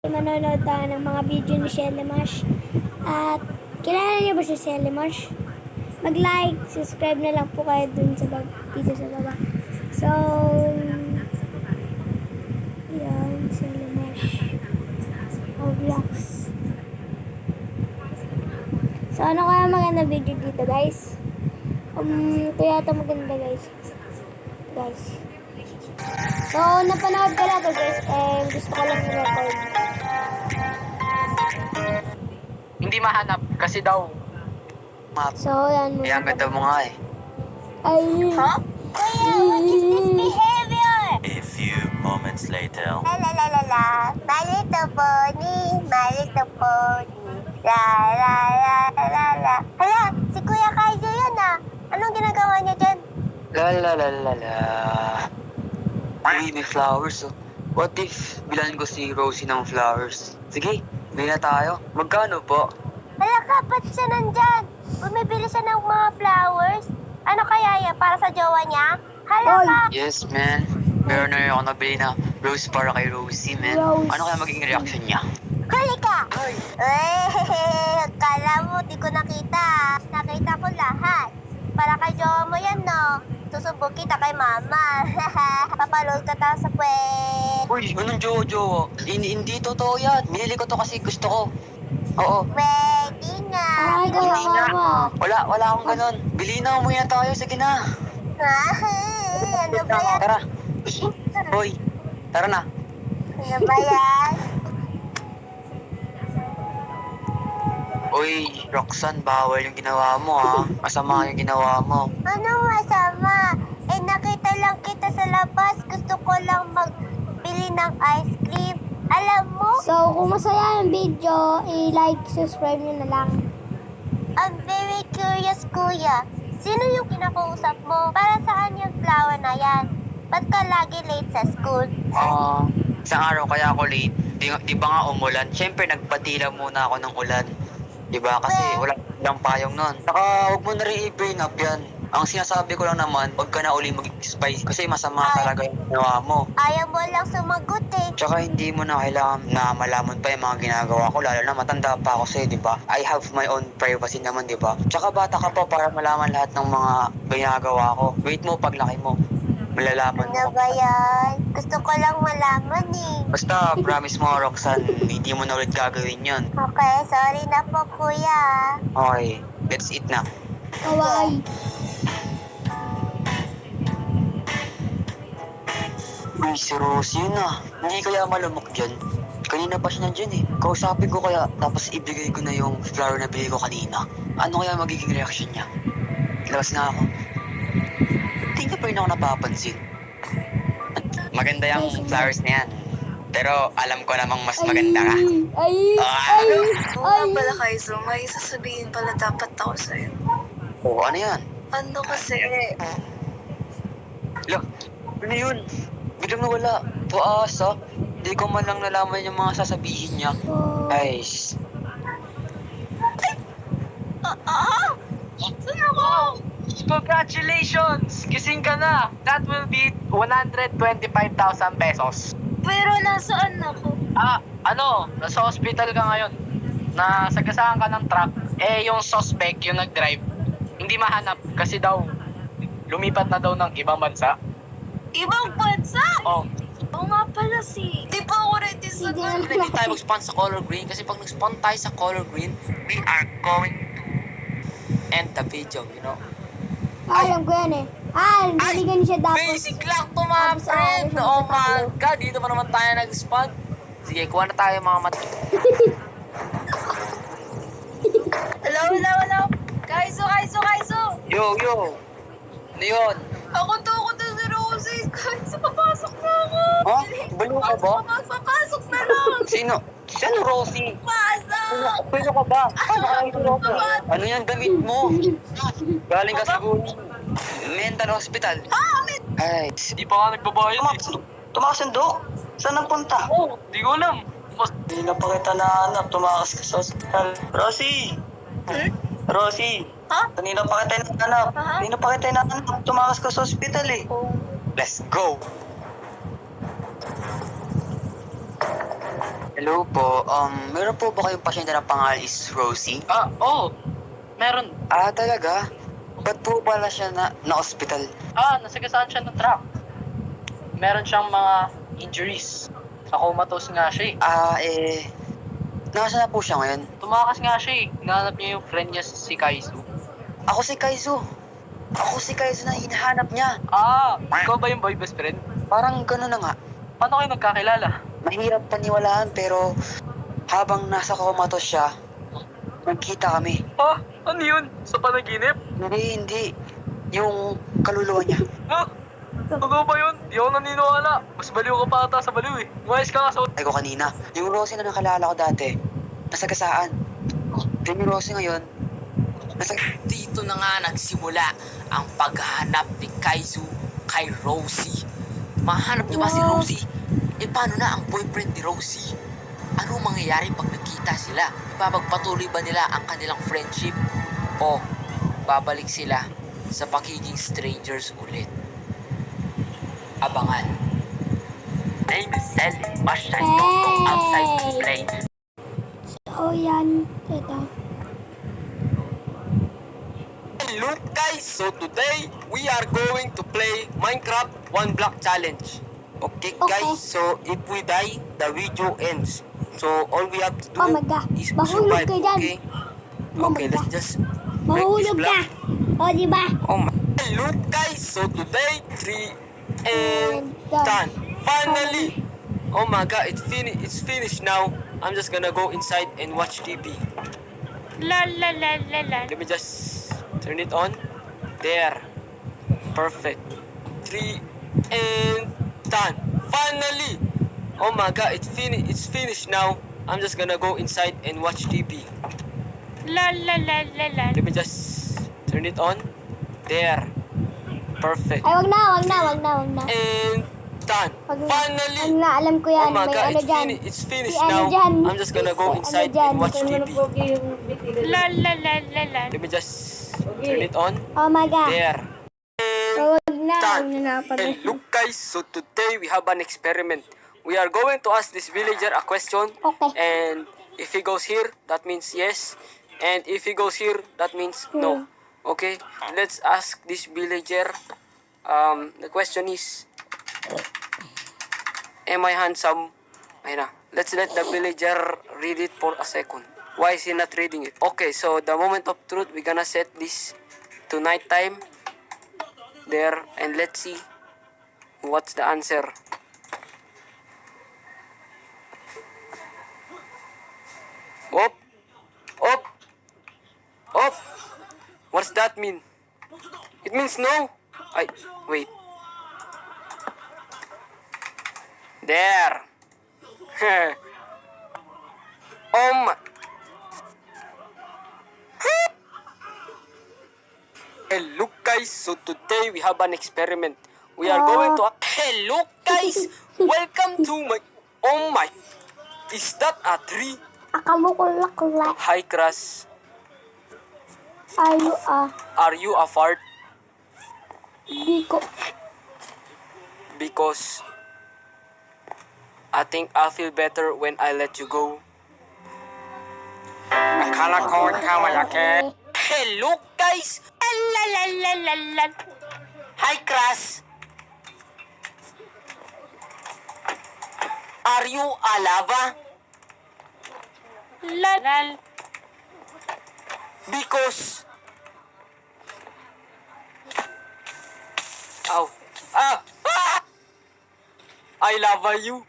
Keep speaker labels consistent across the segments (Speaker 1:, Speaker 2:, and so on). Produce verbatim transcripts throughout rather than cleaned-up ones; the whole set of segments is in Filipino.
Speaker 1: Manonood tayo ng mga video ni Shelly Marsh. At kilala niyo ba si Shelly Marsh? Mag-like, subscribe na lang po kayo dun sa baba, dito sa baba. So, yan, Shelly Marsh. Roblox. So, ano kaya maganda video dito, guys? Um, ito yata maganda, guys. Guys. So, napanood ko na to, guys. Eh, gusto ko lang i-record.
Speaker 2: Hindi mahanap kasi daw map.
Speaker 1: So, yan.
Speaker 2: Kaya ang ganda mo nga eh.
Speaker 1: Ay.
Speaker 3: Huh? Kuya, what is this behavior?
Speaker 4: A few moments later.
Speaker 3: La la la la la. My little pony, my little pony. La la la la la. Hala, si Kuya Kaizo yun ah. Anong ginagawa niya dyan?
Speaker 2: La la la la la. Uy, may flowers oh. What if bilan ko si Rosie ng flowers? Sige, may na tayo. Magkano po?
Speaker 3: Hala ka, ba't siya nandyan? Bumibili siya ng mga flowers? Ano kaya yan? Para sa jowa niya? Hala
Speaker 1: Oy.
Speaker 3: ka!
Speaker 2: Yes, man. Meron na rin ako nabili na rose para kay Rosie, man.
Speaker 1: Rose.
Speaker 2: Ano kaya magiging reaction niya?
Speaker 3: Huli ka! Eh, kala mo, di ko nakita. Nakita ko lahat. Para kay jowa mo yan, no? Susubok kita kay mama. Papaload ka ta sa pwede.
Speaker 2: Uy, anong jowa-jowa? Hindi, hindi totoo yan. Binili ko to kasi gusto ko. Oo.
Speaker 3: Pwede nga.
Speaker 1: Ay, ko
Speaker 2: Hindi na.
Speaker 1: mama.
Speaker 2: Wala, wala akong ganun. Bili na, umuwi na tayo. Sige na.
Speaker 3: Ano ba yan?
Speaker 2: Tara. Hoy, tara na.
Speaker 3: Ano ba yan?
Speaker 2: Uy, Roxanne, bawal yung ginawa mo ha. Masama yung ginawa mo.
Speaker 3: Ano masama? Eh, nakita lang kita sa labas. Gusto ko lang magbili ng ice cream. Alam mo,
Speaker 1: So, kung masaya yung video, i-like, subscribe nyo na lang.
Speaker 3: I'm very curious, kuya. Sino yung kinakausap mo? Para saan yung flower na yan? Ba't ka lagi late sa school?
Speaker 2: Ah, isang araw kaya ako late. Di, di ba nga umulan? Siyempre, nagpatila muna ako ng ulan. Di ba? Kasi wala lang payong nun. Saka, huwag mo na rin i-brain up yan. Ang sinasabi ko lang naman, huwag ka na uli mag-spice kasi masama
Speaker 3: Ay.
Speaker 2: talaga yung ginawa mo.
Speaker 3: Ayaw mo lang sumagot eh.
Speaker 2: Tsaka hindi mo na kailangan na malaman pa yung mga ginagawa ko, lalo na matanda pa ako sa'yo, di ba? I have my own privacy naman, di ba? Tsaka bata ka pa para malaman lahat ng mga ginagawa ko. Wait mo, paglaki mo, malalaman
Speaker 3: Ano
Speaker 2: mo.
Speaker 3: ba yan? Gusto ko lang malaman eh.
Speaker 2: Basta, promise mo, Roxanne, hindi mo na ulit gagawin yun.
Speaker 3: Okay, sorry na po, kuya.
Speaker 2: Okay, let's eat na.
Speaker 1: Kawaii.
Speaker 2: Uy, si Rosie yun ah. Hindi kaya malamok dyan. Kanina pa siya nandyan eh. Kausapin ko kaya, tapos ibigay ko na yung flower na bili ko kanina. Ano kaya magiging reaction niya? Labas nga ako. Hindi niya pa rin ako napapansin. Maganda yung flowers na yan. Pero alam ko namang mas maganda ka.
Speaker 1: Ay,
Speaker 2: Ah!
Speaker 1: ay,
Speaker 5: Oo
Speaker 1: ay.
Speaker 5: nga pala, Kaizo. May sasabihin pala dapat ako sa'yo.
Speaker 2: Oo, ano yan?
Speaker 5: Ano kasi,
Speaker 2: Look, ano yun? Biglang nawala. Paasa. Hindi ko man lang nalaman yung mga sasabihin niya.
Speaker 1: Oh.
Speaker 2: Guys,
Speaker 5: ah, ah, saan ako?
Speaker 6: Congratulations! Gising ka na! That will be one hundred twenty-five thousand pesos.
Speaker 5: Pero nasaan ako?
Speaker 6: Ah, ano? Nasa hospital ka ngayon. Nasagasaan ka ng truck. Eh, yung suspect, yung nag-drive, hindi mahanap kasi daw lumipat na daw ng ibang bansa.
Speaker 5: Ibang bansa?
Speaker 6: Oh,
Speaker 5: Oo nga pala si... Di pa ako ready sa
Speaker 1: Hindi
Speaker 5: ganun.
Speaker 1: na-
Speaker 2: Hindi tayo mag-spawn sa color green kasi pag nag-spawn tayo sa color green, we are going to end the video, you know?
Speaker 1: Alam ko yan eh. Ah, naligan siya tapos.
Speaker 2: Basic lang to mga
Speaker 1: tapos
Speaker 2: friend!
Speaker 1: ayaw siya
Speaker 2: Oh my
Speaker 1: matalo.
Speaker 2: God, dito pa naman tayo nag-spawn. Sige, kuha na tayo mga mat...
Speaker 5: Hello, hello, hello. Kaizo, Kaizo, Kaizo.
Speaker 2: Yo, yo! Ano yun?
Speaker 5: Ako to, ako to si Rosie. Kaizo, papasok na ako.
Speaker 2: Ha? Baliw ka ba?
Speaker 5: Papasok na lang.
Speaker 2: Sino? Sino Rosie?
Speaker 5: Pasok.
Speaker 2: Pwede ka ba? Ano yan damit mo? Galing ka siguro mental hospital. Ay,
Speaker 6: di pa nga nagbabayad eh.
Speaker 7: Tumakasundo? Saan ang punta?
Speaker 6: Oh, di ko alam. Mas
Speaker 7: Hindi na pa kita nahanap. Tumakas ka sa hospital. Rosie!
Speaker 5: Hmm?
Speaker 7: Rosie!
Speaker 5: Ha?
Speaker 7: Kanina pa kita nahanap.
Speaker 5: Ha?
Speaker 7: Kanina pa kita nahanap. Tumakas ka sa hospital eh.
Speaker 5: Oh.
Speaker 2: let's go! Hello po, um, meron po ba kayong pasyente na pangalan is Rosie?
Speaker 6: Ah, oo. Meron.
Speaker 2: Ah, talaga? Ba't po pala siya na, na-hospital?
Speaker 6: Ah, nasagasaan siya ng truck. Meron siyang mga injuries. Sa comatose nga siya eh.
Speaker 2: Ah, eh, nasa na po siya ngayon?
Speaker 6: Tumakas nga siya eh. Hinahanap niya yung friend niya si Kaizu.
Speaker 2: Ako si Kaizo. Ako si Kaizo na hinahanap niya.
Speaker 6: Ah, ikaw ba yung boy best friend?
Speaker 2: Parang gano'n na nga.
Speaker 6: Paano kayo nagkakilala?
Speaker 2: Mahirap paniwalaan pero habang nasa comatose siya, nagkita kami.
Speaker 6: Ah, ano yun? Sa panaginip?
Speaker 2: Hindi, hindi. Yung kaluluwa niya.
Speaker 6: Ah, ano ba yun? Di ako naniniwala. Mas baliw ka pa ata sa baliw eh. Umayos ka nga sa...
Speaker 2: Ay ko kanina, yung Rosie na nakalala ko dati, nasagasaan. Then yung Rosie ngayon, nasa...
Speaker 8: Dito na nga nagsimula ang paghahanap ni Kaizu kay Rosie. Mahanap niyo ba si Rosie? E paano na ang boyfriend ni Rosie? Ano mangyayari pag nagkita sila? Ipapagpatuloy ba nila ang kanilang friendship? O babalik sila sa pagiging strangers ulit? Abangan. Name is Ellie. Much time don't go outside to play.
Speaker 1: So, yan. Ito.
Speaker 7: Hello guys, so today we are going to play Minecraft one block challenge. Okay,
Speaker 1: Okay.
Speaker 7: guys, so if we die, the video ends. So all we have to do
Speaker 1: Oh my God.
Speaker 7: is to
Speaker 1: Mahulog
Speaker 7: survive,
Speaker 1: ka dyan.
Speaker 7: okay?
Speaker 1: Oh my
Speaker 7: Okay, let's
Speaker 1: God.
Speaker 7: just break this
Speaker 1: Mahulog ka.
Speaker 7: block.
Speaker 1: O, di ba?
Speaker 7: Oh my. Hello guys, so today three and
Speaker 1: And done.
Speaker 7: done. Finally. Oh my god, it's fini it's finished now. I'm just gonna go inside and watch T V.
Speaker 5: La la la la la.
Speaker 7: Let me just turn it on. There. Perfect. Three and done. Finally. Oh my god, it's fini it's finished now. I'm just gonna go inside and watch T V.
Speaker 5: La la la la la.
Speaker 7: Let me just turn it on. There. Perfect.
Speaker 1: Ay, wag na, wag na, wag na, wag na.
Speaker 7: And done.
Speaker 1: Wag na.
Speaker 7: Finally.
Speaker 1: Ano na, alam ko yan.
Speaker 7: Oh my
Speaker 1: May
Speaker 7: god,
Speaker 1: ano
Speaker 7: it's,
Speaker 1: dyan.
Speaker 7: fini- it's finished
Speaker 1: May ano
Speaker 7: now.
Speaker 1: dyan.
Speaker 7: I'm just gonna go
Speaker 1: May ano
Speaker 7: inside
Speaker 1: dyan.
Speaker 7: and watch T V.
Speaker 5: La la la la la.
Speaker 7: Let me just turn it on.
Speaker 1: Oh my God.
Speaker 7: There.
Speaker 1: Oh, wag na, wag
Speaker 7: Done.
Speaker 1: na na.
Speaker 7: Hey, look guys, so today we have an experiment. We are going to ask this villager a question.
Speaker 1: Okay.
Speaker 7: And if he goes here, that means yes. And if he goes here, that means no. Okay, let's ask this villager. Um, the question is, am I handsome? Ayun na. Let's let the villager read it for a second. Why is he not reading it? Okay, so the moment of truth, we're gonna set this to night time. There, and let's see what's the answer. Op! Op! Op! What's that mean? It means no. I wait. There. Oh my. Hello guys, so today we have an experiment. We are going to... Hello guys! Welcome to my... Oh my... Is that a tree?
Speaker 1: Akamukulak-kulak.
Speaker 7: Hi Crush.
Speaker 1: Are you, ah,
Speaker 7: Are you a fart?
Speaker 1: di ko.
Speaker 7: Because... I think I'll feel better when I let you go. Akala ko ikaw malaki. Hello guys!
Speaker 5: La la la la la.
Speaker 7: Hi Crush. Are you a lava?
Speaker 5: La la.
Speaker 7: Because... Ow. Ah! Ah! I love you.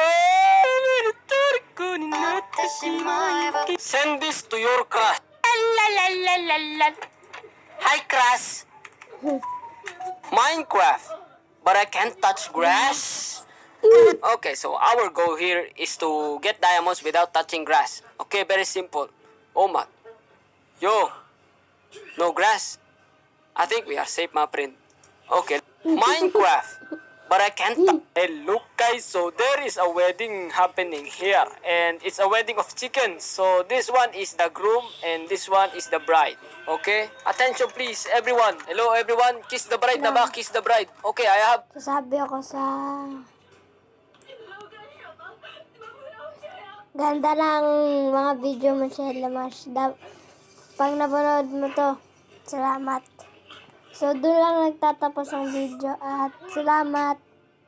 Speaker 7: Send this to your crush.
Speaker 5: La la la la la.
Speaker 7: Hi, crush. Minecraft. But I can't touch grass. Okay, so our goal here is to get diamonds without touching grass. Okay, very simple. Oh my. Yo. No grass. I think we are safe, my friend. Okay. Minecraft. But I can't. Hey, look, guys. So there is a wedding happening here, and it's a wedding of chickens. So this one is the groom, and this one is the bride. Okay. Attention, please, everyone. Hello, everyone. Kiss the bride, na ba? Kiss the bride. Okay, I have.
Speaker 1: Sasabi ako sa... Ganda ng mga video mo, Shella Mars. Da- pag napanood mo to, salamat. So, doon lang nagtatapos ang video at salamat.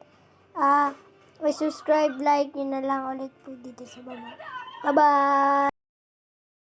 Speaker 1: Ah, may subscribe, like, yun na lang ulit po dito sa baba. Bye-bye!